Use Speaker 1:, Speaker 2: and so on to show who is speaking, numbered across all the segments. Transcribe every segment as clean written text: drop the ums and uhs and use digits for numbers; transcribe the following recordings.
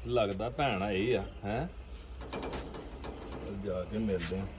Speaker 1: ਲੱਗਦਾ ਭੈਣ ਆਈ ਆ ਹੈ ਜਾ ਕੇ ਮਿਲਦੇ ਆ।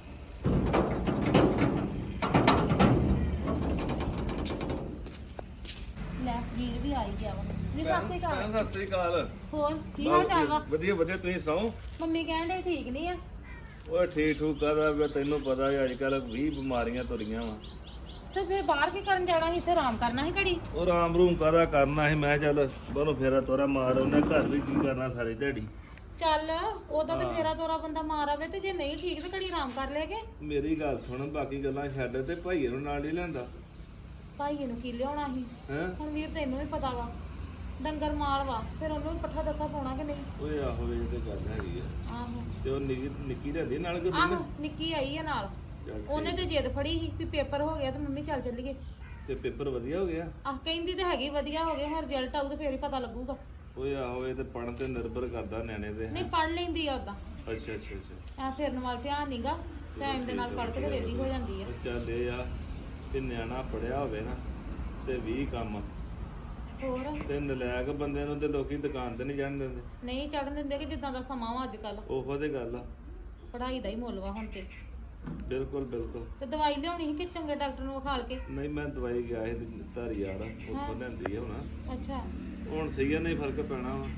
Speaker 2: ਲੈ ਵੀਰ ਵੀ ਆਈ ਗਿਆ ਵਾ ਜੀ। ਸਤਿ ਸ਼੍ਰੀ ਅਕਾਲ।
Speaker 1: ਸਤਿ ਸ੍ਰੀ ਅਕਾਲ।
Speaker 2: ਹੋਰ ਕੀ ਹਾਲ ਚਾਲ ਵਾ?
Speaker 1: ਵਧੀਆ ਵਧੀਆ, ਤੁਸੀਂ ਸੁਣਾਓ?
Speaker 2: ਮੰਮੀ ਕਹਿੰਦੇ ਠੀਕ ਨਹੀਂ ਆ।
Speaker 1: ਓਏ ਠੀਕ ਠੂਕ ਕਾਹਦਾ, ਤੈਨੂੰ ਪਤਾ ਹੈ ਅੱਜ ਕੱਲ 20 ਬਿਮਾਰੀਆਂ ਤੁਰੀਆਂ ਵਾ।
Speaker 2: ਤੇ ਫਿਰ ਬਾਹਰ ਕੀ ਕਰਨ ਜਾਣਾ ਸੀ? ਇੱਥੇ ਆਰਾਮ ਕਰਨਾ ਸੀ ਘੜੀ।
Speaker 1: ਉਹ ਰਾਮ ਰੂਮ ਕਾਹਦਾ ਕਰਨਾ ਸੀ, ਮੈਂ ਚੱਲ ਬਾਹਰੋਂ ਫੇਰਾ ਤੋਰਾ ਮਾਰ ਆਉਂਦਾ, ਘਰ ਵੀ ਕੀ ਕਰਨਾ ਸਾਰੀ ਦਿਹਾੜੀ।
Speaker 2: ਚੱਲ ਉਦੋਂ ਤੇ ਫੇਰਾ ਤੋਰਾ ਬੰਦਾ ਮਾਰ ਆਵੇ, ਤੇ ਜੇ ਨਹੀਂ ਠੀਕ ਤੇ ਘੜੀ ਆਰਾਮ ਕਰ ਲੈਗੇ।
Speaker 1: ਮੇਰੀ ਗੱਲ ਸੁਣ, ਬਾਕੀ ਗੱਲਾਂ ਛੱਡ ਤੇ ਭਾਈਏ ਨੂੰ ਨਾਲ ਹੀ ਲਿਆਂਦਾ।
Speaker 2: ਭਾਈਏ ਨੂੰ ਕੀ ਲਿਆਉਣਾ ਸੀ?
Speaker 1: ਹੈ
Speaker 2: ਹੁਣ ਵੀਰ ਤੈਨੂੰ ਵੀ ਪਤਾ ਵਾ ਡੰਗਰ ਮਾਲ ਵਾ, ਫਿਰ ਉਹਨੂੰ ਵੀ ਪੱਠਾ ਦੱਸਾ ਪਾਉਣਾ ਕਿ ਨਹੀਂ?
Speaker 1: ਓਏ ਆਹੋ ਇਹ ਤੇ ਗੱਲ ਹੈਗੀ ਆ।
Speaker 2: ਆਹੋ
Speaker 1: ਤੇ ਉਹ ਨਿੱਕੀ ਰਹਿੰਦੀ ਨਾਲ ਕਿ
Speaker 2: ਆਹੋ ਨਿੱਕੀ ਆਈ ਆ ਨਾਲ। ਉਹਨੇ ਤੇ ਜਿੱਦ ਫੜੀ ਸੀ ਵੀ ਪੇਪਰ ਹੋ ਗਿਆ ਤੇ ਮੰਮੀ ਚੱਲ ਚੱਲੀਏ।
Speaker 1: ਤੇ ਪੇਪਰ ਵਧੀਆ ਹੋ ਗਿਆ?
Speaker 2: ਆਹ ਕਹਿੰਦੀ ਤੇ ਹੈਗੀ ਵਧੀਆ ਹੋ ਗਿਆ, ਹੁਣ ਰਿਜ਼ਲਟ ਆਊ ਤੇ ਫੇਰ ਹੀ ਪਤਾ ਲੱਗੂਗਾ।
Speaker 1: ਓਏ ਆਹੋ ਇਹ ਤੇ ਪੜਨ ਤੇ ਨਿਰਭਰ ਕਰਦਾ ਨਿਆਣੇ ਤੇ।
Speaker 2: ਨਹੀਂ ਪੜ ਲੈਂਦੀ ਆ ਉਦਾਂ,
Speaker 1: ਅੱਛਾ ਅੱਛਾ ਅੱਛਾ।
Speaker 2: ਐ ਫਿਰਨ ਵੱਲ ਧਿਆਨ ਨਹੀਂਗਾ, ਟਾਈਮ ਦੇ ਨਾਲ ਪੜ ਕੇ ਤੇ ਵਿਹਲੀ ਹੋ ਜਾਂਦੀ ਆ।
Speaker 1: ਚੱਲ ਇਹ ਆ ਕਿ ਨਿਆਣਾ ਪੜਿਆ ਹੋਵੇ ਨਾ ਤੇ 20 ਕੰਮ,
Speaker 2: ਹੋਰ
Speaker 1: ਤੇ ਨਲਾਇਕ ਬੰਦੇ ਨੂੰ ਤੇ ਲੋਕੀ ਦੁਕਾਨ ਤੇ ਨਹੀਂ ਜਾਣ ਦਿੰਦੇ।
Speaker 2: ਨਹੀਂ ਚੜਨ ਦਿੰਦੇ ਕਿ ਜਿੱਦਾਂ ਦਾ ਸਮਾਂ ਵਾ ਅੱਜ ਕੱਲ,
Speaker 1: ਉਹੋ ਤੇ ਗੱਲ ਆ।
Speaker 2: ਪੜ੍ਹਾਈ ਦਾ ਹੀ ਮੁੱਲ ਵਾ ਹੁਣ ਤੇ।
Speaker 1: ਬਿਲਕੁਲ ਬਿਲਕੁਲ।
Speaker 2: ਤੇ ਦਵਾਈ ਲਿਆਉਣੀ ਸੀ ਕਿ ਚੰਗੇ ਡਾਕਟਰ ਨੂੰ ਵਿਖਾਲ ਕੇ?
Speaker 1: ਨਹੀਂ ਮੈਂ ਦਵਾਈ ਗਿਆ ਸੀ ਧਾਰੀ ਯਾਰ, ਉੱਥੋਂ ਲੈਂਦੀ ਆ ਹੁਣ।
Speaker 2: ਅੱਛਾ
Speaker 1: ਹੁਣ ਸਹੀ ਆ, ਨਹੀਂ ਫਰਕ ਪੈਣਾ ਵਾ।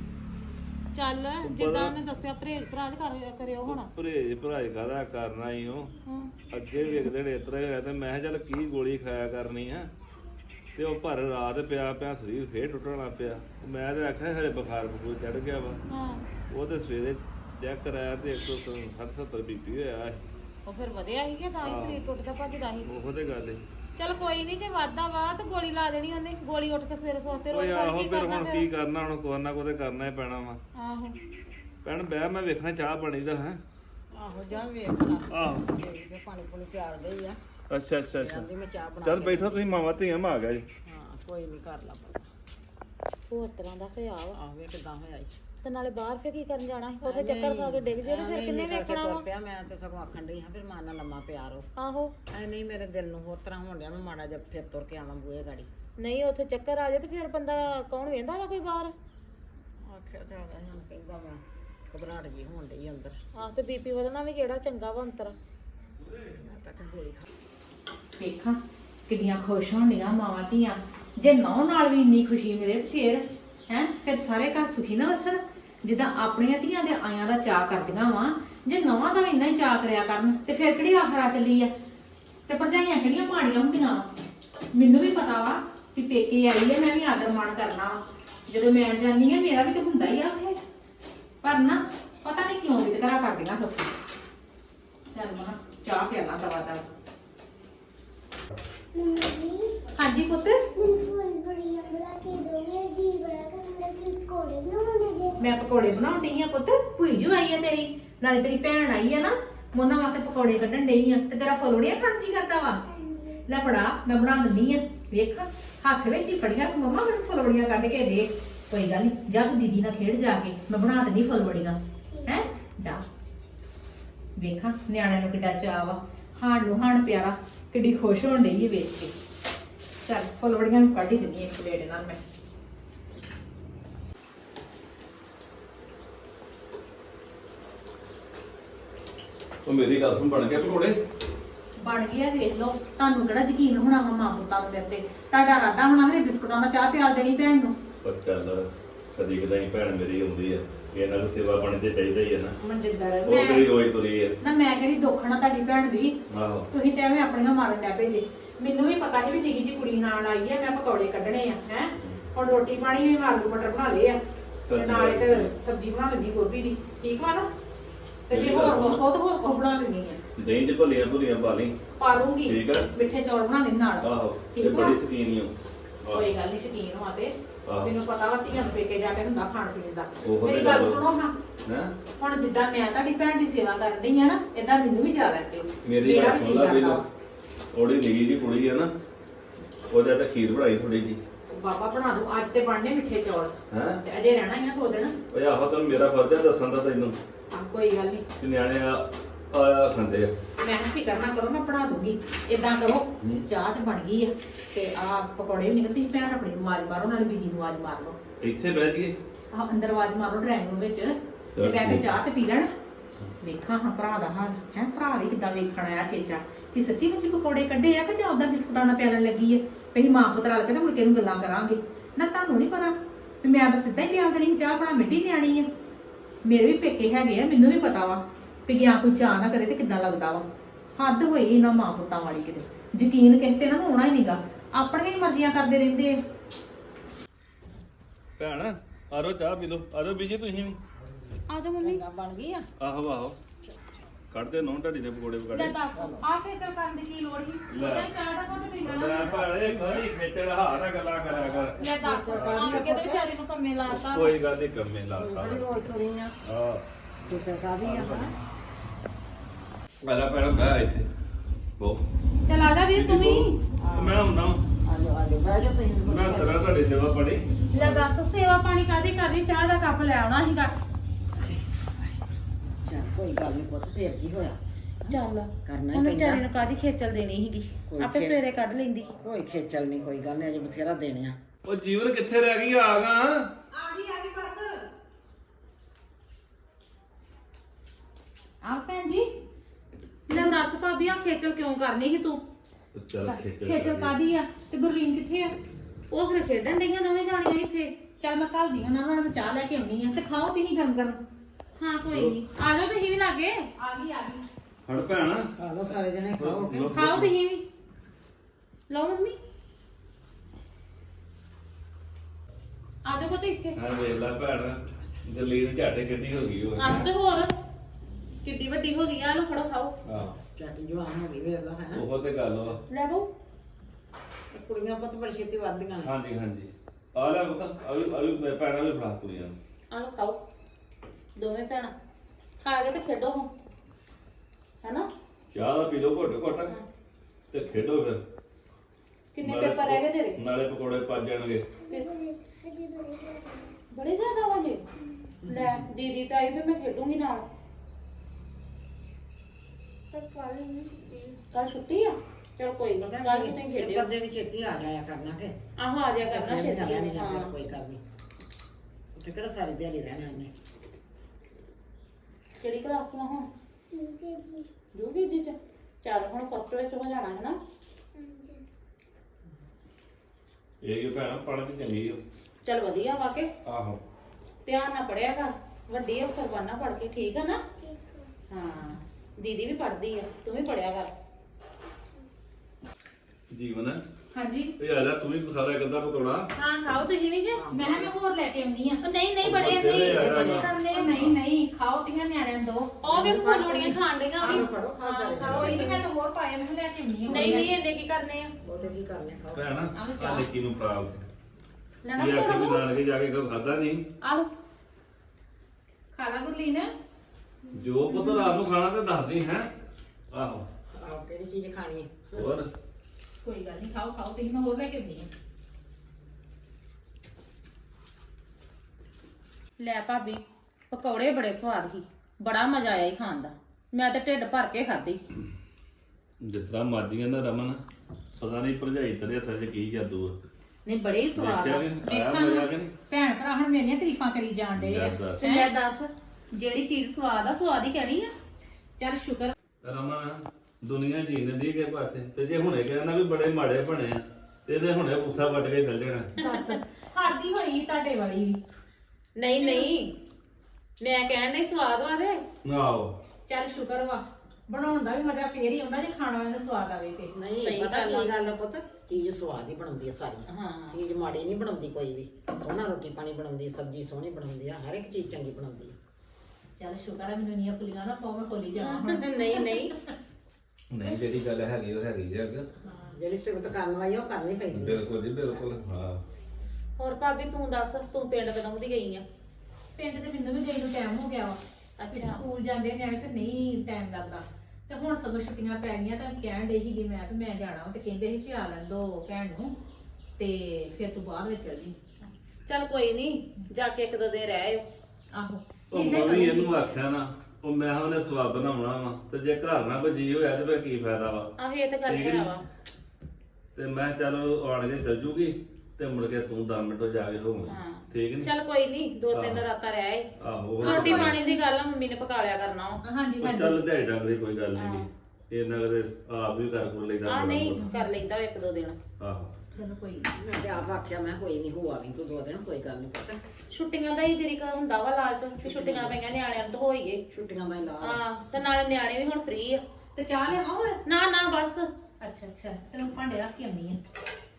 Speaker 2: ਚੱਲ ਜਿੱਦਾਂ ਉਹਨੇ ਦੱਸਿਆ ਪਰਹੇਜ਼ ਭਰਾਜ ਕਰਿਓ ਹੁਣ।
Speaker 1: ਪਰਹੇਜ ਭਰਾਜ ਕਾਹਦਾ ਕਰਨਾ ਹੀ ਉਹ।
Speaker 2: ਹੂੰ
Speaker 1: ਅੱਗੇ ਵੇਖਦੇ ਨੇ ਇਤਰਾ ਹੋਇਆ ਤੇ ਮੈਂ ਕਿਹਾ ਚੱਲ ਕੀ ਗੋਲੀ ਖਾਇਆ ਕਰਨੀ ਆ। ਤੇ ਉਹ ਭਰ ਰਾਤ ਪਿਆ ਪਿਆ ਸਰੀਰ ਫੇਰ ਟੁੱਟਣ ਲੱਗ ਪਿਆ। ਮੈਂ ਤੇ ਆਖਿਆ ਹਲੇ ਬੁਖਾਰ ਬਖੂਰ ਚੜ ਗਿਆ ਵਾ।
Speaker 2: ਹਾਂ
Speaker 1: ਉਹ ਤੇ ਸਵੇਰੇ ਚੈੱਕ ਕਰਾਇਆ ਤੇ 160-70 ਬੀਪੀ ਹੋਇਆ।
Speaker 2: ਉਹ ਫਿਰ ਵਧਿਆ ਸੀ ਕਿ ਤਾਂ ਹੀ ਸਰੀਰ ਟੁੱਟਦਾ ਭੱਜਦਾ ਸੀ?
Speaker 1: ਉਹੋ ਤੇ ਗੱਲ ਏ।
Speaker 2: ਚੱਲ ਕੋਈ ਨਹੀਂ, ਜੇ ਵਾਧਾ ਵਾ ਤੇ ਗੋਲੀ ਲਾ ਦੇਣੀ ਉਹਨੇ। ਗੋਲੀ ਉੱਠ ਕੇ ਸਵੇਰੇ ਸੋਤੇ ਰੋਜ਼
Speaker 1: ਓਏ ਆਹੋ
Speaker 2: ਕੀ
Speaker 1: ਫਿਰ
Speaker 2: ਕਰਨਾ
Speaker 1: ਹੁਣ
Speaker 2: ਫਿਰ?
Speaker 1: ਕੀ ਕਰਨਾ, ਹੁਣ ਕੋਈ ਨਾ ਕੋਈ ਕਰਨਾ ਹੀ ਪੈਣਾ ਵਾ।
Speaker 2: ਆਹੋ
Speaker 1: ਭੈਣ ਬਹਿ, ਮੈਂ ਵੇਖਣਾ ਚਾਹ ਪਾਣੀ ਦਾ ਹੈ।
Speaker 3: ਆਹੋ ਜਾ ਵੇਖ ਲਾ।
Speaker 1: ਆਹੋ
Speaker 3: ਤੇ ਪਾਣੀ ਪੂਣੀ ਪਿਆਰ ਦੇ ਹੀ ਆ।
Speaker 1: ਅੱਛਾ ਅੱਛਾ ਅੱਛਾ।
Speaker 3: ਕਹਿੰਦੀ ਮੈਂ ਚਾਹ ਬਣਾ
Speaker 1: ਚੱਲ ਬੈਠੋ ਤੁਸੀਂ ਮਾਵਾਂ ਧੀਆਂ, ਮੈਂ ਆ ਗਿਆ ਜੀ।
Speaker 3: ਹਾਂ ਕੋਈ ਨਹੀਂ ਕਰ ਲਾ ਪਤਾ।
Speaker 2: ਹੋਰ ਤਰ੍ਹਾਂ ਦਾ ਹੋਇਆ ਵਾ।
Speaker 3: ਆਹ ਵੇ ਕਿਦਾਂ ਹੋਇਆ ਈ।
Speaker 2: ਤੇ ਨਾਲੇ ਬਾਹਰ ਫੇ ਕੀ ਕਰਨ ਜਾਣਾ ਸੀ? ਉੱਥੇ ਚੱਕਰ ਖਾ ਕੇ ਡਿੱਗ ਜੇ ਤੇ ਫਿਰ ਕਿੰਨੇ ਵੇਖਣਾ
Speaker 3: ਤੁਰ
Speaker 2: ਵਾ?
Speaker 3: ਪਿਆ ਮੈਂ ਤੇ ਸਗੋਂ ਆਖਣ ਡਈ ਹਾਂ ਫਿਰ ਮਾਂ ਨਾਲ ਲੰਮਾ ਪਿਆ ਰੋ।
Speaker 2: ਆਹੋ
Speaker 3: ਐ ਨਹੀਂ ਮੇਰੇ ਦਿਲ ਨੂੰ ਹੋਰ ਤਰ੍ਹਾਂ ਹੋਣ ਡਿਆ, ਮੈਂ ਮਾੜਾ ਜਿਹਾ ਫਿਰ ਤੁਰ ਕੇ ਆਵਾਂ ਬੂਹੇ ਗਾੜੀ।
Speaker 2: ਨਹੀਂ ਉੱਥੇ ਚੱਕਰ ਆ ਜਾਏ ਤੇ ਫਿਰ ਬੰਦਾ ਕੌਣ ਵੇਂਦਾ ਵਾ ਕੋਈ ਬਾਹਰ?
Speaker 3: ਆਖਿਆ ਤੇ ਹੈਗਾ ਹੁਣ ਕਹਿੰਦਾ ਮੈਂ ਘਬਰਾਹਟ ਜੀ ਹੋਣ ਡਈ ਅੰਦਰ।
Speaker 2: ਆਹ ਤੇ ਬੀਪੀ ਵਧਣਾ ਵੀ ਕਿਹੜਾ ਚੰਗਾ ਵਾ ਅੰਤਰਾ।
Speaker 3: ਮੈਂ ਤਾਂ ਕਿਹਾ ਗੋਲੀ ਖਾ।
Speaker 4: ਵੇਖਾਂ ਕਿੰਨੀਆਂ ਖੁਸ਼ ਹੋਣੀਆਂ ਮਾਵਾਂ ਧੀਆਂ। ਜੇ ਨੌ ਨਾਲ ਵੀ ਇੰਨੀ ਖੁਸ਼ੀ ਮਿਲੇ ਤੇ ਫਿਰ ਸਾਰੇ ਘਰ ਸੁਖੀ ਨਾ ਵਸਣ। ਜਿੱਦਾਂ ਆਪਣੀਆਂ ਧੀਆਂ ਦੇ ਆਇਆਂ ਦਾ ਚਾਅ ਕਰਦੀਆਂ ਵਾ, ਜੇ ਨੌਵਾਂ ਦਾ ਵੀ ਇੰਨਾ ਹੀ ਚਾਅ ਕਰਿਆ ਕਰਨ ਤੇ ਫਿਰ ਕਿਹੜੀ ਆਖਰਾ ਚੱਲੀ ਆ? ਤੇ ਭਰਜਾਈਆਂ ਕਿਹੜੀਆਂ ਮਾੜੀਆਂ ਹੁੰਦੀਆਂ ਵਾ? ਮੈਨੂੰ ਵੀ ਪਤਾ ਵਾ ਕਿ ਪੇਕੇ ਆਈ ਆ, ਮੈਂ ਵੀ ਆਦਰ ਮਾਣ ਕਰਨਾ ਵਾ। ਜਦੋਂ ਮੈਂ ਜਾਂਦੀ ਆ ਮੇਰਾ ਵੀ ਤਾਂ ਹੁੰਦਾ ਹੀ ਆ ਉੱਥੇ, ਪਰ ਨਾ ਪਤਾ ਨਹੀਂ ਕਿਉਂ ਵੀ ਕਰਾ ਕਰਦੀਆਂ ਸੱਸਾਂ। ਚੱਲ ਮਾ ਚਾਹ ਪਿਆਲਾ ਦਵਾ ਦਾ। ਹਾਂਜੀ ਪੁੱਤ, ਮੈਂ ਪਕੌੜੇ ਬਣਾਉਂਦੀ ਆ ਪੁੱਤ। ਭੂਈ ਜੂ ਆਈ ਆ ਤੇਰੀ, ਨਾਲੇ ਤੇਰੀ ਭੈਣ ਆਈ ਆ ਨਾ, ਮੋਨਾ ਵਾਸਤੇ ਪਕੌੜੇ ਕੱਢਣ ਡਈ ਆ। ਤੇ ਤੇਰਾ ਫੁੱਲਵੜੀਆਂ ਖਾਣ ਜੀ ਕਰਦਾ ਵਾ? ਲੈ ਫੜਾ, ਮੈਂ ਬਣਾ ਦਿੰਦੀ ਆ। ਵੇਖ ਹੱਥ ਵਿੱਚ ਹੀ ਫੜੀਆਂ ਕਿ ਮੰਮਾ ਮੈਨੂੰ ਫੁੱਲਵੜੀਆਂ ਕੱਢ ਕੇ ਦੇ। ਕੋਈ ਗੱਲ ਨਹੀਂ, ਜਾ ਤੂੰ ਦੀਦੀ ਨਾਲ ਖੇਡ ਜਾ ਕੇ, ਮੈਂ ਬਣਾ ਦਿੰਦੀ ਫੁੱਲਵੜੀਆਂ। ਹੈ ਜਾ। ਵੇਖਾਂ ਨਿਆਣਿਆਂ ਨੂੰ ਕਿੱਡਾ ਚਾਅ ਵਾ, ਹਾਣ ਨੂੰ ਹਾਣ ਪਿਆਰਾ, ਕਿੱਡੀ ਖੁਸ਼ ਹੋਣ ਡਈ ਹੈ ਵੇਖ ਕੇ। ਚੱਲ ਫੁੱਲਵੜੀਆਂ ਨੂੰ ਕੱਢ ਹੀ ਦਿੰਦੀ ਇੱਕ ਪਲੇਟ ਨਾਲ ਮੈਂ।
Speaker 1: ਉਹ ਮੇਰੀ ਗੱਲ ਸੁਣ, ਬਣ ਗਿਆ ਪਕੌੜੇ?
Speaker 4: ਬਣ ਗਿਆ, ਵੇਖ ਲਓ। ਤੁਹਾਨੂੰ ਕਿਹੜਾ ਯਕੀਨ ਹੋਣਾ ਵਾ ਮਾਂ ਪੁੱਤਾਂ ਨੂੰ ਮੇਰੇ ਤੇ? ਤੁਹਾਡਾ ਰਾਦਾ ਹੋਣਾ ਮੇਰੇ ਬਿਸਕੁਟਾਂ ਦਾ ਚਾਹ ਪਿਆਲ ਦੇਣੀ ਭੈਣ ਨੂੰ।
Speaker 1: ਪਰ ਚੱਲ ਕਦੀ ਕਦਾਈ ਭੈਣ ਮੇਰੀ ਹੁੰਦੀ ਆ, ਇਹਨਾਂ ਨੂੰ ਸੇਵਾ ਪਾਣੀ ਤੇ ਚਾਹੀਦਾ ਹੀ ਆ ਨਾ।
Speaker 4: ਮਨਜਿੰਦਰ
Speaker 1: ਉਹ ਮੇਰੀ ਰੋਈ ਤੁਰੀ ਆ
Speaker 4: ਨਾ, ਮੈਂ ਕਿਹੜੀ ਦੋਖਣਾ ਤੁਹਾਡੀ ਭੈਣ ਦੀ?
Speaker 1: ਆਹੋ।
Speaker 4: ਤੁਸੀਂ ਤੇ ਐਵੇਂ ਆਪਣੀਆਂ ਮਾਰਨ ਡੈ ਭੇਜੇ। ਮੈਨੂੰ ਵੀ ਪਤਾ ਸੀ ਵੀ ਨਿੱਕੀ ਜੀ ਕੁੜੀ ਨਾਲ ਆਈ ਹੈ, ਮੈਂ ਪਕੌੜੇ ਕੱਢਣੇ ਆ। ਹੈ ਹੁਣ ਰੋਟੀ ਪਾਣੀ ਵੀ ਆਲੂ ਮਟਰ ਬਣਾ ਲਏ ਆ, ਤੇ ਨਾਲੇ ਤੇ ਸਬਜ਼ੀ ਬਣਾ ਲੈਂਦੀ ਗੋਭੀ ਦੀ। ਠੀਕ ਵਾ ਨਾ? ਤੇ ਜੇ ਹੋਰ ਹੋਰ ਕੋ ਬਣਾ ਲੈਂਦੀ ਆ।
Speaker 1: ਦਹੀਂ ਚ ਭੁੱਲੀਆਂ ਭੁੱਲੀਆਂ ਪਾ ਲਈ,
Speaker 4: ਪਾ ਲੂੰਗੀ।
Speaker 1: ਠੀਕ ਆ।
Speaker 4: ਮਿੱਠੇ ਚੌਲ ਬਣਾ ਲੈਣ ਨਾਲ।
Speaker 1: ਆਹੋ
Speaker 4: ਠੀਕ
Speaker 1: ਤੇ
Speaker 4: ਵਾ?
Speaker 1: ਬੜੀ ਸ਼ਕੀਨ ਹੀ
Speaker 4: ਕੋਈ ਗੱਲ ਨਹੀਂ, ਸ਼ਕੀਨ ਹੋਆ ਤੇ
Speaker 1: ਆਹੋ।
Speaker 4: ਮੈਨੂੰ ਪਤਾ ਵਾ ਧੀਆਂ ਨੂੰ ਪੇਕੇ ਜਾ ਕੇ ਹੁੰਦਾ ਖਾਣ ਪੀਣ ਦਾ।
Speaker 1: ਉਹੋ ਤੇ
Speaker 4: ਮੇਰੀ ਗੱਲ
Speaker 1: ਗੱਲ।
Speaker 4: ਸੁਣੋ ਹਾਂ,
Speaker 1: ਹੈ।
Speaker 4: ਹੁਣ ਜਿੱਦਾਂ ਮੈਂ ਤੁਹਾਡੀ ਭੈਣ ਦੀ ਸੇਵਾ ਕਰਦੀ ਆ ਨਾ, ਏਦਾਂ ਮੈਨੂੰ ਵੀ ਜਾ ਲੈਂਦੇ।
Speaker 1: ਮੇਰੀ ਗੱਲ ਸੁਣ ਲਾ ਪਹਿਲਾਂ, ਥੋੜੀ ਨਿੱਕੀ ਜੀ ਕੁੜੀ ਆ ਨਾ, ਉਹਦੇ ਤੇ ਖੀਰ ਬਣਾਈ ਥੋੜੀ ਜੀ।
Speaker 4: ਬਾਬਾ ਬਣਾ ਦੂੰ, ਅੱਜ ਤੇ ਬਣਨੇ ਮਿੱਠੇ ਚੌਲ।
Speaker 1: ਹੈ
Speaker 4: ਤੇ ਅਜੇ ਰਹਿਣਾ ਹੀ ਆ 2 ਦਿਨ।
Speaker 1: ਓਏ ਆਹੋ, ਤੈਨੂੰ ਮੇਰਾ ਫਰਜ਼ ਹੈ ਦੱਸਣ ਦਾ ਤੈਨੂੰ
Speaker 4: ਕੋਈ ਗੱਲ ਨਹੀਂ,
Speaker 1: ਕਿ ਨਿਆਣੇ ਆ ਖਾਂਦੇ ਆ।
Speaker 4: ਮੈਂ ਫਿਕਰ ਨਾ ਕਰੋ, ਮੈਂ ਬਣਾ ਦੂੰਗੀ। ਏਦਾਂ ਕਰੋ, ਚਾਹ ਤੇ ਬਣ ਗਈ ਆ ਤੇ ਆ ਪਕੌੜੇ ਵੀ ਨਿਕਲਦੀ। ਭੈਣ ਆਪਣੀ ਨੂੰ ਆਵਾਜ਼ ਮਾਰੋ, ਨਾਲੇ ਬੀਜੀ ਨੂੰ ਆਵਾਜ਼ ਮਾਰ ਲਓ।
Speaker 1: ਇੱਥੇ ਬਹਿ ਜਾਈਏ?
Speaker 4: ਆ ਅੰਦਰ ਆਵਾਜ਼ ਮਾਰੋ ਡਰਾਈਵਿੰਗ ਰੂਮ ਵਿੱਚ ਤੇ ਬਹਿ ਕੇ ਚਾਹ ਤੇ ਪੀ ਲੈਣ। ਵੇਖਾਂ ਹਾਂ ਭਰਾ ਦਾ ਹਾਲ ਹੈ, ਭਰਾ ਵੀ ਕਿੱਦਾਂ ਵੇਖਣ ਆਇਆ ਚੇਚਾ ਕਿ ਸੱਚੀ ਮੁੱਚੀ ਪਕੌੜੇ ਕੱਢੇ ਆ ਕਿ ਜਾਂ ਉਦਾਂ ਬਿਸਕੁਟਾਂ ਨਾਲ ਪਿਆਲਣ ਲੱਗੀ ਏ ਵੀ ਅਸੀਂ ਮਾਂ ਪੁੱਤ ਰਲ ਕੇ ਨਾ ਮੁੜ ਕੇ ਨੂੰ ਗੱਲਾਂ ਕਰਾਂਗੇ। ਨਾ ਤੁਹਾਨੂੰ ਨਹੀਂ ਪਤਾ ਵੀ ਮੈਂ ਤਾਂ ਸਿੱਧਾ ਹੀ ਲਿਆ ਕਰੀ ਚਾਹ ਬਣਾ ਮਿੱਟੀ ਨਿਆਣੀ ਆ। ਮੇਰੇ ਵੀ ਪੇਕੇ ਹੈਗੇ ਆ, ਮੈਨੂੰ ਵੀ ਪਤਾ ਵਾ ਵੀ ਗਿਆ ਕੋਈ ਚਾਹ ਨਾ ਕਰੇ ਤੇ ਕਿੱਦਾਂ ਲੱਗਦਾ ਵਾ। ਹੱਦ ਹੋਈ ਇਹਨਾਂ ਮਾਂ ਪੁੱਤਾਂ ਵਾਲੀ ਕਿਤੇ, ਯਕੀਨ ਕਿਸੇ ਤੇ ਨਾ ਹੋਣਾ ਹੀ ਨਹੀਂਗਾ, ਆਪਣੀਆਂ ਹੀ ਮਰਜ਼ੀਆਂ ਕਰਦੇ ਰਹਿੰਦੇ ਆ।
Speaker 1: ਭੈਣ ਆਰੋ ਚਾਹ ਪੀ ਲਓ, ਆਰੋ ਬੀਜੀ ਤੁਸੀਂ ਵੀ।
Speaker 2: ਆ ਜਾ ਮੰਮੀ।
Speaker 3: ਚੰਗਾ ਬਣ ਗਈ ਆ।
Speaker 1: ਆਹੋ ਆਹੋ ਕੱਢਦੇ ਨੌਂ ਢਾਡੀ ਦੇ ਪਕੌੜੇ
Speaker 2: ਲੈ
Speaker 1: ਪਕਾੜੇ।
Speaker 2: ਦੱਸ ਆ ਖੇਚਲ ਕਰਨ ਦੀ ਕੀ ਲੋੜ ਸੀ?
Speaker 1: ਲੈ।
Speaker 2: ਉਹਦਾ ਹੀ ਚਾਹ ਦਾ ਘੁੱਟ ਪੀ ਲੈਣਾ।
Speaker 1: ਲੈ ਭਾਲੇ ਘਰੀ ਖੇਚੜ ਹਾਰਾ ਗੱਲਾਂ ਕਰਿਆ ਕਰ।
Speaker 2: ਲੈ ਦੱਸ ਆਣ ਕੇ ਤੇ ਵਿਚਾਰੀ ਨੂੰ ਕੰਮੇ ਲਾਤਾ।
Speaker 1: ਕੋਈ ਗੱਲ ਨਹੀਂ ਕੰਮੇ ਲਾਤਾ।
Speaker 3: ਬੜੀ ਰੋਜ਼ ਤੁਰੀ ਆ
Speaker 1: ਹਾਂ
Speaker 3: ਤੇ ਫਿਰ ਕਾਹਦੀ ਆ ਹਨਾ।
Speaker 1: ਮੇਰਾ ਭੈਣ ਬਹਿ ਇੱਥੇ ਬੋ
Speaker 2: ਚੱਲ ਆ ਜਾ ਵੀਰ ਤੂੰ ਵੀ।
Speaker 1: ਮੈਂ ਹੁੰਨਾ
Speaker 3: ਆਜੋ ਬਹਿ ਜਾ ਤੁਸੀਂ।
Speaker 1: ਮੈਂ ਤੇਰਾ ਤੁਹਾਡੀ ਸੇਵਾ ਪੜੀ।
Speaker 2: ਲੈ ਦੱਸ ਸੇਵਾ ਪਾਣੀ ਕਾਦੀ ਕਰਨੀ, ਚਾਹ ਦਾ ਕੱਪ ਲੈ ਆਉਣਾ ਸੀਗਾ।
Speaker 3: ਚੱਲ ਕੋਈ ਗੱਲ ਨਹੀਂ ਪੁੱਤ, ਫੇਰ ਕੀ ਹੋਇਆ,
Speaker 2: ਚੱਲ
Speaker 3: ਕਰਨਾ ਹੀ
Speaker 2: ਉਹਨੂੰ ਵਿਚਾਰੀ
Speaker 3: ਪੈਂਦਾ।
Speaker 2: ਨੂੰ ਕਾਦੀ ਖੇਚਲ ਦੇਣੀ ਸੀਗੀ,
Speaker 3: ਕੋਈ
Speaker 2: ਆਪੇ
Speaker 3: ਖੇ-
Speaker 2: ਸਵੇਰੇ ਕੱਢ ਲੈਂਦੀ।
Speaker 3: ਕੋਈ ਖੇਚਲ ਨਹੀਂ, ਕੋਈ ਗੱਲ ਨਹੀਂ, ਅਜੇ ਬਥੇਰਾ ਦੇਣੇ ਆ।
Speaker 1: ਉਹ ਜੀਵਨ ਕਿੱਥੇ ਰਹਿ ਗਈ ਆ ਗਾ।
Speaker 4: ਆ ਗਈ ਬਸ। ਆ ਭੈਣ ਜੀ
Speaker 2: ਲੈ ਦੱਸ ਭਾਬੀ ਆ ਖੇਚਲ ਕਿਉਂ ਕਰਨੀ ਸੀ ਤੂੰ?
Speaker 1: ਚੱਲ
Speaker 4: ਖੇਚਲ ਕਾਦੀ ਆ ਤੇ ਗੁਰਲੀਨ ਕਿੱਥੇ ਆ?
Speaker 2: ਉਹ ਫਿਰ ਖੇਡਣ ਡਈਆਂ ਦੋਵੇਂ ਜਾਣੀਆਂ ਇੱਥੇ।
Speaker 4: ਚੱਲ ਮੈਂ ਘੱਲ ਦੀਆਂ ਉਹਨਾਂ ਨੂੰ ਚਾਹ ਲੈ ਕੇ ਆਉਣੀ ਆ ਤੇ ਖਾਓ ਤੁਸੀਂ ਗਰਮ ਗਰਮ।
Speaker 2: ਹਾਂ ਕੋਈ ਨਹੀਂ, ਆ ਜਾਓ ਤੁਸੀਂ ਵੀ ਲਾਗੇ।
Speaker 4: ਆ ਗਈ।
Speaker 1: ਹੜ ਭੈਣ
Speaker 3: ਖਾ ਲਓ ਸਾਰੇ ਜਣੇ, ਖਾਓ ਕੇ।
Speaker 2: ਖਾਓ ਤੁਸੀਂ ਵੀ। ਲਓ ਮੰਮੀ ਆ ਜਾਓ ਪੁੱਤ ਇੱਥੇ।
Speaker 1: ਹਾਂ ਵੇਖ ਲੈ ਭੈਣ ਜਲੀਨ ਝਾਟੇ ਕਿੱਡੀ ਹੋ ਗਈ ਉਹ।
Speaker 2: ਆਹ ਤੇ ਹੋਰ ਕਿੱਡੀ ਵੱਡੀ ਹੋ ਗਈ ਆ, ਲੋ ਫੜੋ ਖਾਓ।
Speaker 1: ਆਹ
Speaker 3: ਚਾਟੀ ਜਵਾਨ ਹੋ ਗਈ ਵੇਖ ਲਾ ਹੈ।
Speaker 1: ਉਹ ਤੇ ਗੱਲ ਵਾ।
Speaker 2: ਲੈ ਬੋ।
Speaker 3: ਕੁੜੀਆਂ ਪੁੱਤ ਬੜੀ ਛੇਤੀ ਵੱਧਦੀਆਂ ਨੇ।
Speaker 1: ਹਾਂਜੀ ਹਾਂਜੀ ਆ ਲੈ ਪੁੱਤ ਆ ਵੀ ਭੈਣਾਂ ਵੀ ਫੜਾ ਕੁੜੀਆਂ ਨੂੰ।
Speaker 2: ਆ ਲੋ ਖਾਓ ਦੋਵੇਂ ਭੈਣਾਂ, ਖਾ ਕੇ ਤੇ ਖੇਡੋ ਹੁਣ, ਹੈਨਾ।
Speaker 1: ਚਾਹ ਦਾ ਪੀ ਲਓ ਘੁੱਟ ਘੁੱਟ ਤੇ ਖੇਡੋ ਫਿਰ।
Speaker 2: ਕਿੰਨੇ
Speaker 1: ਨਾਲੇ
Speaker 2: ਪੇਪਰ ਰਹਿ ਗਏ ਤੇਰੇ?
Speaker 1: ਨਾਲੇ ਪਕੌੜੇ ਪੱਜ ਜਾਣਗੇ।
Speaker 2: ਬੜੇ ਜ਼ਿਆਦਾ ਵਾਲੇ। ਲੈ ਦੀਦੀ ਤਾਂ ਆਈ ਵੀ ਮੈਂ ਖੇਡੂੰਗੀ ਨਾਲ। ਕੱਲ ਛੁੱਟੀ ਆ? ਚਲ ਕੋਈ ਨਹੀਂ, ਕੱਲ ਵੀ ਨਹੀਂ ਖੇਡਿਓ।
Speaker 3: ਬੰਦੇ ਦੀ ਛੇਤੀ ਆ ਜਾਇਆ ਕਰਨਾ ਕਿ
Speaker 2: ਆਹੋ ਆ ਜਾਇਆ ਕਰਨਾ ਛੇਤੀ।
Speaker 3: ਹਾਂ
Speaker 2: ਹਾਂ
Speaker 3: ਕੋਈ ਗੱਲ ਨਹੀਂ, ਉੱਥੇ ਕਿਹੜਾ ਸਾਰੀ ਦਿਹਾੜੀ ਰਹਿਣਾ ਉਹਨੇ।
Speaker 2: ਕਿਹੜੀ ਕਲਾਸ ਤੋਂ ਹੁਣ? ਯੂਕੇਜੀ ਚ। ਚੱਲ ਹੁਣ ਫਸਟ ਵਿੱਚ ਹੋ ਜਾਣਾ ਹੈ ਨਾ।
Speaker 1: ਇਹ ਕਿ ਭੈਣ ਪੜ੍ਹਨ ਚੰਗੀ ਹੋ।
Speaker 2: ਚੱਲ ਵਧੀਆ ਵਾ ਕੇ
Speaker 1: ਆਹੋ
Speaker 2: ਧਿਆਨ ਨਾਲ ਪੜਿਆ ਕਰ, ਵੱਡੀ ਅਫਸਰ ਬਣਨਾ ਪੜ ਕੇ, ਠੀਕ ਆ ਨਾ? ਹਾਂ ਦੀਦੀ ਵੀ ਪੜ੍ਹਦੀ ਆ, ਤੂੰ ਵੀ ਪੜਿਆ ਕਰ।
Speaker 1: ਜੀਵਨ
Speaker 4: ਹਾਂਜੀ
Speaker 1: ਇਹ ਆ ਜਾ ਤੂੰ ਵੀ ਸਾਰਾ ਇੱਕ ਅੱਧਾ ਪਕੌੜਾ।
Speaker 2: ਹਾਂ ਖਾਓ ਤੁਸੀਂ ਵੀ ਜੇ।
Speaker 4: ਮੈਂ ਕਿਹਾ ਮੈਂ ਹੋਰ ਲੈ ਕੇ ਆਉਣੀ ਆ।
Speaker 2: ਨਹੀਂ ਨਹੀਂ ਬੜੇ
Speaker 1: ਬਥੇਰੇ
Speaker 2: ਨਹੀਂ
Speaker 1: ਆ
Speaker 2: ਬੜੇ ਕਰਨੇ
Speaker 4: ਨਹੀਂ ਖਾਓ ਤੀਆਂ ਨਿਆਣਿਆਂ ਨੂੰ ਦੋ।
Speaker 2: ਉਹ ਵੀ ਫਲੋੜੀਆਂ ਖਾਣ ਡਈਆਂ ਉਹ ਵੀ।
Speaker 3: ਆਲੂ ਫੜੋ, ਖਾਓ ਸਾਰੇ
Speaker 2: ਖਾਓ
Speaker 4: ਕੋਈ ਨਹੀਂ ਮੈਂ ਤਾਂ ਹੋਰ ਪਾਇਆ, ਮੈਂ ਕਿਹਾ ਲੈ ਕੇ ਆਉਣੀ ਆ।
Speaker 2: ਨਹੀਂ ਨਹੀਂ ਇਹਦੇ ਕੀ ਕਰਨੇ ਆ?
Speaker 3: ਉਹ ਤੇ ਕੀ ਕਰਨੇ, ਖਾਓ।
Speaker 1: ਭੈਣ ਆ ਨਿੱਕੀ ਨੂੰ ਪ੍ਰਾਪਤ
Speaker 2: ਲੈਣਾ
Speaker 1: ਇਹ ਆਖੇ ਵੀ
Speaker 2: ਪੜਾ
Speaker 1: ਨਾਨਕੇ ਜਾ ਕੇ ਕੋਈ ਖਾਦਾ ਨਹੀਂ।
Speaker 2: ਆ ਲੋ।
Speaker 4: ਖਾ ਲਾ ਗੁਰਲੀਨ।
Speaker 1: ਜੋ ਪੁੱਤ ਰਾਤ ਨੂੰ ਖਾਣਾ ਤੇ ਦੱਸਦੀ ਹੈ। ਆਹੋ
Speaker 3: ਆਹ ਕਿਹੜੀ ਚੀਜ਼ ਖਾਣੀ ਹੈ।
Speaker 1: ਹੋਰ
Speaker 4: ਕੋਈ ਗੱਲ ਨਹੀਂ, ਖਾਓ ਖਾਓ ਤੁਸੀਂ, ਮੈਂ ਹੋਰ ਲੈ ਕੇ ਆਉਣੀ ਆ।
Speaker 2: ਲੈ ਭਾਬੀ ਪਕੌੜੇ ਬੜੇ ਸਵਾਦ ਸੀ, ਬੜਾ ਮਜ਼ਾ ਆਇਆ ਹੀ ਖਾਣ ਦਾ। ਮੈਂ ਤੇ ਢਿੱਡ ਭਰ ਕੇ ਖਾਧੀ।
Speaker 1: ਜਿਸ ਤਰ੍ਹਾਂ ਮਰਜ਼ੀਆਂ ਨਾ ਰਮਨ, ਪਤਾ ਨਹੀਂ ਭਰਜਾਈ ਤੇਰੇ ਹੱਥਾਂ 'ਚ ਕੀ ਜਾਦੂ ਆ।
Speaker 2: ਨਹੀਂ ਬੜੇ ਹੀ ਸਵਾਦ
Speaker 1: ਦੇਖਿਆ
Speaker 2: ਆ।
Speaker 1: ਕਿ ਆਇਆ ਮਜ਼ਾ ਕਿ ਨਹੀਂ।
Speaker 4: ਭੈਣ ਭਰਾ ਹੁਣ ਮੇਰੀਆਂ ਤਾਰੀਫਾਂ ਕਰੀ ਜਾਣ ਡੇ ਆ।
Speaker 1: ਲੈ ਦੱਸ।
Speaker 2: ਤੇ ਲੈ ਦੱਸ, ਜਿਹੜੀ ਚੀਜ਼ ਸਵਾਦ ਆ ਸਵਾਦ ਹੀ ਕਹਿਣੀ ਆ।
Speaker 4: ਚੱਲ ਸ਼ੁਕਰ।
Speaker 1: ਰਮਨ ਦੁਨੀਆ ਜੀਣ ਦੀ ਕਿਸੇ ਪਾਸੇ ਤੇ ਜੇ ਹੁਣੇ ਕਹਿੰਦਾ ਵੀ ਬੜੇ ਮਾੜੇ ਬਣੇ ਆ ਤੇ ਇਹਦੇ ਹੁਣੇ ਪੁੱਠਾ ਵੱਟ ਕੇ ਚੱਲ ਜਾਣਾ।
Speaker 4: ਦੱਸ ਹਾਦੀ ਹੋਈ ਤੁਹਾਡੇ ਵਾਲੀ ਵੀ।
Speaker 2: ਨਹੀਂ ਨਹੀਂ ਮੈਂ ਕਹਿਣ ਡਈ ਸਵਾਦ ਵਾ ਦੇ।
Speaker 1: ਆਹੋ
Speaker 4: ਚੱਲ ਸ਼ੁਕਰ ਵਾ, ਬਣਾਉਣ ਦਾ ਵੀ ਮਜ਼ਾ ਫੇਰ ਹੀ ਆਉਂਦਾ ਜੇ ਖਾਣ ਵਾਲੇ ਨੂੰ ਸਵਾਦ ਆਵੇ ਤੇ।
Speaker 3: ਨਹੀਂ
Speaker 2: ਸਹੀ
Speaker 3: ਪਤਾ
Speaker 2: ਗੱਲ ਆ।
Speaker 3: ਕੀ ਗੱਲ ਆ ਪੁੱਤ, ਚੀਜ਼ ਸਵਾਦ ਹੀ ਬਣਾਉਂਦੀ ਹੈ ਸਾਰੀ।
Speaker 2: ਹਾਂ
Speaker 3: ਚੀਜ਼ ਮਾੜੀ ਨਹੀਂ ਬਣਾਉਂਦੀ ਕੋਈ ਵੀ। ਸੋਹਣਾ ਰੋਟੀ ਪਾਣੀ ਬਣਾਉਂਦੀ, ਸਬਜ਼ੀ ਸੋਹਣੀ ਬਣਾਉਂਦੀ ਆ, ਹਰ ਇੱਕ ਚੀਜ਼ ਚੰਗੀ ਬਣਾਉਂਦੀ ਆ।
Speaker 4: ਚੱਲ ਸ਼ੁਕਰ ਆ ਮੈਨੂੰ ਇੰਨੀਆਂ ਫੁੱਲੀਆਂ ਨਾ ਪਾਓ, ਮੈਂ ਖੋਲੀ ਜਾਵਾਂ ਹੁਣ।
Speaker 2: ਨਹੀਂ ਨਹੀਂ
Speaker 1: ਨਹੀਂ ਜਿਹੜੀ ਗੱਲ ਹੈਗੀ ਉਹ ਹੈਗੀ ਜੱਗ।
Speaker 3: ਜਿਹੜੀ ਸਿਫਤ ਕਰਨ ਵਾਲੀ ਉਹ ਕਰਨੀ ਪੈਂਦੀ ਆ।
Speaker 1: ਬਿਲਕੁਲ ਜੀ ਬਿਲਕੁਲ। ਹਾਂ
Speaker 2: ਹੋਰ ਭਾਬੀ ਤੂੰ ਦੱਸ, ਤੂੰ ਪਿੰਡ ਕਦੋਂ ਦੀ ਗਈ ਆ?
Speaker 4: ਪਿੰਡ ਤੇ ਮੈਨੂੰ ਵੀ ਗਈ ਨੂੰ ਟਾਈਮ ਹੋ ਗਿਆ ਵਾ। ਵੀ
Speaker 2: ਅੱਛਾ।
Speaker 4: ਸਕੂਲ ਜਾਂਦੇ ਨਿਆਣੇ ਫਿਰ ਨਹੀਂ ਟਾਈਮ ਲੱਗਦਾ ਤੇ ਹੁਣ ਸਗੋਂ ਛੁੱਟੀਆਂ ਪੈ ਗਈਆਂ ਤਾਂ ਕਹਿਣ ਡੇ ਸੀਗੇ ਮੈਂ ਵੀ ਮੈਂ ਜਾਣਾ ਤੇ ਕਹਿੰਦੇ ਸੀ ਪਿਆ ਲੈਣ ਦੋ ਭੈਣ ਨੂੰ ਤੇ ਫਿਰ ਤੂੰ ਬਾਅਦ ਵਿੱਚ ਚੱਲ ਜੀ।
Speaker 2: ਚੱਲ ਕੋਈ ਨਹੀਂ, ਜਾ ਕੇ ਇੱਕ ਦੋ ਦਿਨ ਰਹਿ ਆਇਓ।
Speaker 4: ਆਹੋ
Speaker 1: ਉਹ
Speaker 4: ਏਦਾਂ ਹੀ
Speaker 1: ਮੈਂ ਵੀ
Speaker 4: ਕਰੂੰਗੀ।
Speaker 1: ਇਹਨੂੰ ਆਖਿਆ ਨਾ, ਉਹ ਮੈਂ ਕਿਹਾ ਉਹਨੇ ਸਵਾਦ ਬਣਾਉਣਾ ਵਾ ਤੇ ਜੇ ਘਰ ਨਾ ਕੋਈ ਜੀ ਹੋਇਆ ਤੇ ਫਿਰ ਕੀ ਫਾਇਦਾ ਵਾ।
Speaker 2: ਆਹ ਇਹ ਤਾਂ ਗੱਲ
Speaker 1: ਠੀਕ
Speaker 2: ਹੈ
Speaker 1: ਨੀ?
Speaker 2: ਵਾ।
Speaker 1: ਤੇ ਮੈਂ ਕਿਹਾ ਚੱਲ ਆਣ ਕੇ ਚੱਲ ਜੂਗੀ ਤੇ ਮੁੜ ਕੇ ਤੂੰ 10 ਮਿੰਟ ਜਾ ਕੇ ਹੋਵੇਂ।
Speaker 2: ਹਾਂ।
Speaker 1: ਠੀਕ ਨੀ
Speaker 2: ਚੱਲ ਕੋਈ ਨਹੀਂ 2-3
Speaker 1: ਹਾਂ।
Speaker 2: ਰਾਤਾਂ ਰਹਿ ਆਏ
Speaker 1: ਆਹੋ
Speaker 2: ਰੋਟੀ ਪਾਣੀ ਦੀ ਗੱਲ ਆ ਮੰਮੀ ਨੇ ਪਕਾ ਲਿਆ ਕਰਨਾ ਵਾ।
Speaker 4: ਹਾਂਜੀ
Speaker 1: ਉਹ
Speaker 4: ਹਾਂਜੀ
Speaker 1: ਚੱਲ ਦਿਹਾੜੀ ਡੰਗ ਦੀ ਕੋਈ ਗੱਲ ਨਹੀਂ ਇਹਨਾਂ ਕਦੇ ਆਪ ਵੀ ਕਰ ਕੋਲ ਲੈਂਦਾ
Speaker 2: ਆ ਨਹੀਂ ਕਰ ਲੈਂਦਾ 1-2 ਦਿਨ।
Speaker 1: ਆਹੋ
Speaker 4: ਚਲੋ ਕੋਈ ਨੀ।
Speaker 3: ਮੈਂ ਤੇ ਆਪ ਆਖਿਆ ਮੈਂ ਕੋਈ ਨਹੀਂ ਹੋਆ ਵੀ ਤੂੰ 2 ਦਿਨ ਕੋਈ ਗੱਲ ਨਹੀਂ ਪਤਾ
Speaker 2: ਛੁੱਟੀਆਂ ਦਾ ਹੀ ਤਰੀਕਾ ਹੁੰਦਾ ਵਾ ਲਾਲਚ ਵੀ ਛੁੱਟੀਆਂ ਪਈਆਂ ਨਿਆਣਿਆਂ ਨੂੰ ਤਾਂ ਹੋਈਏ।
Speaker 3: ਛੁੱਟੀਆਂ ਦਾ ਹੀ ਲਾ
Speaker 2: ਹਾਂ ਤੇ ਨਾਲੇ ਨਿਆਣੇ ਵੀ ਹੁਣ ਫ੍ਰੀ ਆ।
Speaker 4: ਤੇ ਚਾਹ ਲਿਆਵਾਂ ਹੋਰ?
Speaker 2: ਨਾ ਬਸ
Speaker 4: ਅੱਛਾ ਅੱਛਾ ਤੈਨੂੰ ਭਾਂਡੇ ਰੱਖ ਕੇ ਆਉਂਦੀ ਆ।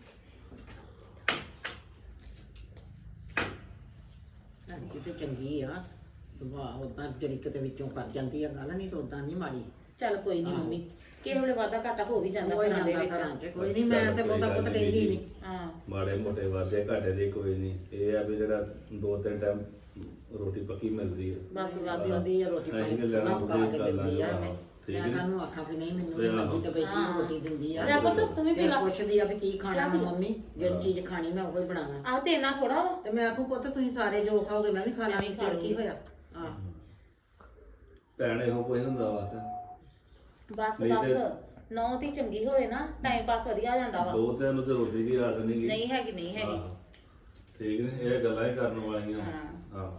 Speaker 3: ਕਿਤੇ ਚੰਗੀ ਆ ਸੁਭਾਅ ਉਦਾਂ ਜਿਹੜੀ ਕਿਤੇ ਵਿੱਚੋਂ ਕਰ ਜਾਂਦੀ ਆ ਗੱਲ ਨਹੀਂ ਤਾਂ ਉਦਾਂ ਨਹੀਂ ਮਾੜੀ
Speaker 2: ਚੱਲ ਕੋਈ ਨਹੀਂ ਮੰਮੀ ਕਿਸੇ ਵੇਲੇ ਵਾਧਾ ਘਾਟਾ ਹੋ ਵੀ ਜਾਂਦਾ
Speaker 3: ਕੋਈ
Speaker 2: ਘਰਾਂ ਦੇ
Speaker 3: ਜਾਂਦਾ
Speaker 2: ਵਿੱਚ।
Speaker 3: ਘਰਾਂ 'ਚ ਕੋਈ ਨਹੀਂ ਮੈਂ ਤੇ ਬਹੁਤਾ ਪੁੱਤ ਕਹਿੰਦੀ ਨਹੀਂ
Speaker 2: ਹਾਂ
Speaker 1: ਮਾੜੇ ਮੋਟੇ ਵਾਧੇ ਘਾਟੇ ਦੀ ਕੋਈ ਨਹੀਂ ਇਹ ਆ ਵੀ ਜਿਹੜਾ 2-3 ਟਾਈਮ ਰੋਟੀ ਪੱਕੀ ਮਿਲਦੀ ਹੈ
Speaker 2: ਬਸ
Speaker 3: ਦਿੰਦੀ ਆ ਰੋਟੀ ਪਾਣੀ ਸੋਨਾ ਪਕਾ ਕੇ ਦਿੰਦੀ ਆ ਮੈਂ ਕਾਹਨੂੰ ਆਖਾਂ ਵੀ ਨਹੀਂ ਮੈਨੂੰ ਵੀ ਮਰਜ਼ੀ ਤੇ ਬੈਠੀ ਨੂੰ ਰੋਟੀ ਦਿੰਦੀ ਆ
Speaker 2: ਲੈ ਪੁੱਤ ਤੂੰ ਵੀ ਪੀ
Speaker 3: ਫਿਰ
Speaker 2: ਲਾ।
Speaker 3: ਪੁੱਛਦੀ ਆ ਵੀ ਕੀ ਖਾਣਾ ਵਾ ਮੰਮੀ ਜਿਹੜੀ ਚੀਜ਼ ਖਾਣੀ ਮੈਂ ਉਹੀ ਬਣਾਵਾਂ
Speaker 2: ਆਹ ਤੇ ਇੰਨਾ ਥੋੜਾ ਵਾ।
Speaker 3: ਤੇ ਮੈਂ ਆਖੂ ਪੁੱਤ ਤੁਸੀਂ ਸਾਰੇ ਜੋ ਖਾਓਗੇ ਮੈਂ ਵੀ ਖਾ ਲਾਂਗੀ ਫਿਰ ਕੀ ਹੋਇਆ ਹਾਂ
Speaker 1: ਭੈਣ ਇਹੋ ਕੋਈ ਹੁੰਦਾ ਵਾ
Speaker 2: ਬਸ
Speaker 1: ਨਹੀਂ ਤੇ-
Speaker 2: ਬਸ ਨੌ ਦੀ ਚੰਗੀ ਹੋਵੇ ਨਾ ਟਾਈਮ ਪਾਸ ਵਧੀਆ ਹੋ ਜਾਂਦਾ ਵਾ।
Speaker 1: 2-3 ਨੂੰ ਤੇ ਰੋਟੀ ਦੀ ਆਸ ਨਹੀਂ ਗੀ
Speaker 2: ਨਹੀਂ ਹੈਗੀ
Speaker 1: ਆਹੋ। ਠੀਕ ਨੇ ਇਹ ਗੱਲਾਂ ਹੀ ਕਰਨ ਵਾਲੀਆਂ
Speaker 2: ਹਾਂ।
Speaker 1: ਹਾਂ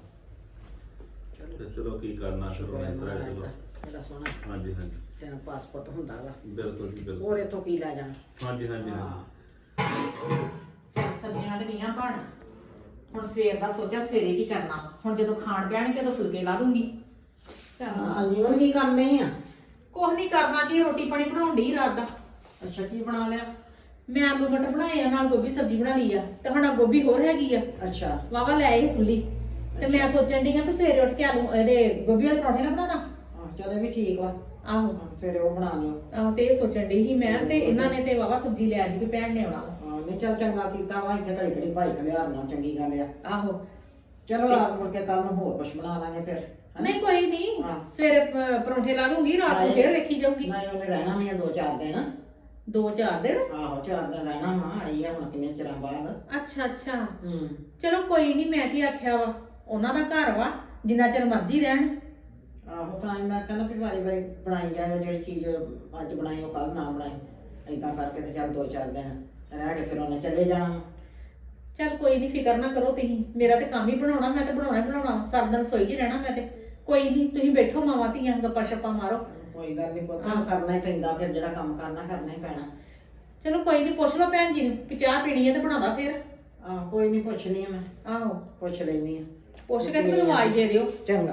Speaker 1: ਤੇ ਚਲੋ ਕੀ ਕਰਨਾ ਸ਼ੁਰੂ ਇਸ ਤਰ੍ਹਾਂ ਹੀ ਚਲੋ
Speaker 3: ਮੇਰਾ ਸੋਹਣਾ
Speaker 1: ਹਾਂਜੀ ਹਾਂਜੀ
Speaker 3: ਤੇਰਾ ਪਾਸਪੋਰਟ ਹੁੰਦਾ ਵਾ
Speaker 1: ਬਿਲਕੁਲ ਜੀ ਬਿਲਕੁਲ
Speaker 3: ਹੋਰ ਇੱਥੋਂ ਕੀ ਲੈ ਜਾਣਾ
Speaker 1: ਹਾਂਜੀ ਹਾਂਜੀ ਹਾਂਜੀ
Speaker 4: ਚੱਲ ਸਬਜ਼ੀਆਂ ਤੇ ਗਈਆਂ ਬਣ ਹੁਣ ਸਵੇਰ ਦਾ ਸੋਚਿਆ ਸਵੇਰੇ ਕੀ ਕਰਨਾ ਵਾ। ਹੁਣ ਜਦੋਂ ਖਾਣ ਪਿਆਣਗੇ ਤਾਂ ਫੁਲਕੇ ਲਾ ਦੂੰਗੀ। ਚੱਲ
Speaker 3: ਹਾਂ ਜੀਵਨ ਕੀ ਕਰਨੇ ਆ
Speaker 4: ਕੁਛ ਨਹੀਂ ਕਰਨਾ ਕੀ ਰੋਟੀ ਪਾਣੀ ਬਣਾਉਣ ਡਈ ਰਾਤ ਦਾ।
Speaker 3: ਅੱਛਾ ਕੀ ਬਣਾ ਲਿਆ
Speaker 4: ਮੈਂ ਆਲੂ ਮਟਰ ਬਣਾਏ ਆ ਨਾਲ ਗੋਭੀ ਸਬਜ਼ੀ ਬਣਾ ਲਈ ਆ ਤੇ ਹੁਣ ਆਹ ਗੋਭੀ ਹੋਰ ਹੈਗੀ ਆ
Speaker 3: ਅੱਛਾ
Speaker 4: ਵਾਵਾ ਲੈ ਆਈ ਖੁੱਲੀ ਤੇ ਮੈਂ ਸੋਚਣ ਡਈ ਆ ਕਿ ਸਵੇਰੇ ਉੱਠ ਕੇ ਆਲੂ ਇਹਦੇ ਗੋਭੀ ਵਾਲੇ ਪਰੌਂਠੇ ਨਾ ਬਣਾਦਾ।
Speaker 3: ਹਾਂ ਚਲੇ ਵੀ ਠੀਕ ਵਾ
Speaker 4: ਆਹੋ
Speaker 3: ਹਾਂ, ਸਵੇਰੇ ਉਹ ਬਣਾ ਲਿਓ
Speaker 4: ਆਹ ਤੇ ਇਹ ਸੋਚਣ ਡਈ ਸੀ ਮੈਂ ਤੇ ਇਹਨਾਂ ਨੇ ਤੇ ਵਾਵਾ ਸਬਜ਼ੀ ਲੈ ਆਂਦੀ ਵੀ ਭੈਣ ਨੇ ਆਉਣਾ ਵਾ।
Speaker 3: ਹਾਂ ਨਹੀਂ ਚੱਲ ਚੰਗਾ ਕੀਤਾ ਵਾ ਇੱਥੇ ਘੜੀ ਘੜੀ ਭਾਈ ਖਲਿਆਰਨਾ ਚੰਗੀ ਗੱਲ ਆ
Speaker 4: ਆਹੋ
Speaker 3: ਚਲੋ ਰਾਤ ਮੁੜ ਕੇ ਕੱਲ ਨੂੰ ਹੋਰ ਕੁਝ ਬਣਾ ਲਾਂਗੇ ਫਿਰ ਹੈਂ?
Speaker 4: ਨਹੀਂ ਕੋਈ ਨਹੀਂ
Speaker 3: ਹਾਂ।
Speaker 4: ਸਵੇਰੇ ਪਰੌਂਠੇ ਲਾ ਦੂੰਗੀ ਰਾਤ ਨੂੰ ਫੇਰ ਵੇਖੀ ਜਾਊਗੀ।
Speaker 3: ਨਹੀਂ ਉਹਨੇ ਰਹਿਣਾ ਵੀ ਆ 2-4 ਦਿਨ
Speaker 4: 2-4 ਦਿਨ।
Speaker 3: ਆਹੋ 4 ਦਿਨ ਰਹਿਣਾ ਵਾ ਆਈ ਆ ਹੁਣ ਕਿੰਨੇ ਚਿਰਾਂ ਬਾਅਦ
Speaker 4: ਅੱਛਾ ਅੱਛਾ
Speaker 3: ਹੂੰ
Speaker 4: ਚਲੋ ਕੋਈ ਨਹੀਂ ਮੈਂ ਕੀ ਆਖਿਆ ਵਾ ਉਹਨਾਂ ਦਾ ਘਰ ਵਾ ਜਿੰਨਾ ਚਿਰ ਮਰਜ਼ੀ ਰਹਿਣ।
Speaker 3: ਆਹੋ ਤਾਂ ਹੀ ਮੈਂ ਕਹਿੰਦਾ ਵੀ ਵਾਰੀ ਵਾਰੀ ਬਣਾਈ ਜਾਏ ਜਿਹੜੀ ਚੀਜ਼ ਅੱਜ ਬਣਾਈ ਉਹ ਕੱਲ ਨਾ ਬਣਾਈ ਏਦਾਂ ਕਰਕੇ ਤੇ ਚੱਲ 2-4 ਦਿਨ ਰਹਿ ਕੇ ਫਿਰ ਉਹਨੇ ਚਲੇ ਜਾਣਾ
Speaker 4: ਚੱਲ ਕੋਈ ਨਹੀਂ ਫਿਕਰ ਨਾ ਕਰੋ ਤੁਸੀਂ ਮੇਰਾ ਤੇ ਕੰਮ ਹੀ ਬਣਾਉਣਾ ਮੈਂ ਤੇ ਬਣਾਉਣਾ ਹੀ ਬਣਾਉਣਾ ਸਾਰਾ ਦਿਨ ਰਸੋਈ 'ਚ ਹੀ ਰਹਿਣਾ ਮੈਂ ਤੇ ਕੋਈ ਨਹੀਂ ਤੁਸੀਂ ਬੈਠੋ ਮਾਵਾਂ ਧੀਆਂ ਗੱਪਾਂ ਛੱਪਾਂ ਮਾਰੋ।
Speaker 3: ਕੋਈ ਗੱਲ ਨਹੀਂ ਪੁੱਤ
Speaker 4: ਹਾਂ।
Speaker 3: ਕਰਨਾ ਹੀ ਪੈਂਦਾ ਫਿਰ ਜਿਹੜਾ ਕੰਮ ਕਰਨਾ ਹੀ ਪੈਣਾ
Speaker 4: ਚਲੋ ਕੋਈ ਨਹੀਂ ਪੁੱਛ ਲਓ ਭੈਣ ਜੀ ਨੂੰ ਕਿ ਚਾਹ ਪੀਣੀ ਹੈ ਤੇ ਬਣਾਦਾ ਫੇਰ।
Speaker 3: ਆਹ ਕੋਈ ਨਹੀਂ ਪੁੱਛਣੀ ਆ ਮੈਂ
Speaker 4: ਆਹੋ
Speaker 3: ਪੁੱਛ ਲੈਣੀ ਆ
Speaker 4: ਪੁੱਛ ਕੇ ਤੇ ਮੈਨੂੰ ਆਵਾਜ਼ ਦੇ ਦਿਓ।
Speaker 3: ਚੰਗਾ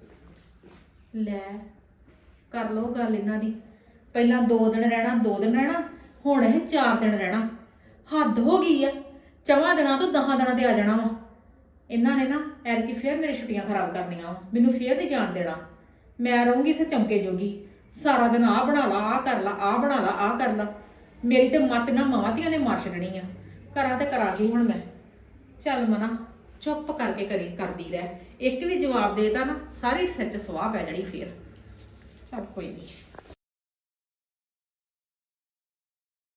Speaker 4: ਲੈ ਕਰ ਲਓ ਗੱਲ ਇਹਨਾਂ ਦੀ ਪਹਿਲਾਂ 2 ਦਿਨ ਰਹਿਣਾ 2 ਦਿਨ ਰਹਿਣਾ ਹੁਣ ਇਹ 4 ਦਿਨ ਰਹਿਣਾ ਹੱਦ ਹੋ ਗਈ ਆ 4 ਦਿਨਾਂ ਤੋਂ 10 ਦਿਨਾਂ ਤੇ ਆ ਜਾਣਾ ਵਾ। ਇਹਨਾਂ ਨੇ ਨਾ ਐਰਕੀ ਫੇਰ ਮੇਰੀ ਛੁੱਟੀਆਂ ਖਰਾਬ ਕਰਨੀਆਂ ਵਾ ਮੈਨੂੰ ਫੇਰ ਨਹੀਂ ਜਾਣ ਦੇਣਾ। ਮੈਂ ਰਹੂੰਗੀ ਇੱਥੇ ਚਮਕੇ ਜੋਗੀ ਸਾਰਾ ਦਿਨ ਆਹ ਬਣਾ ਲਾ ਆਹ ਕਰ ਲਾ ਆਹ ਬਣਾ ਲਾ ਆਹ ਕਰ ਲਾ ਮੇਰੀ ਤੇ ਮੱਤ ਨਾ ਮਾਵਾਂ ਧੀਆਂ ਨੇ ਮਾਰ ਛੱਡਣੀ ਆ। ਕਰਾਂ ਤੇ ਕਰਾਂ ਕੀ ਹੁਣ ਮੈਂ। ਚੱਲ ਮਨਾ ਚੁੱਪ ਕਰਕੇ ਕਰਦੀ ਰਹਿ ਇੱਕ ਵੀ ਜਵਾਬ ਦੇਤਾ ਨਾ ਸਾਰੀ ਸੱਚ ਸਵਾਹ ਪੈ ਜਾਣੀ ਫੇਰ। ਚੱਲ ਕੋਈ ਨਹੀਂ।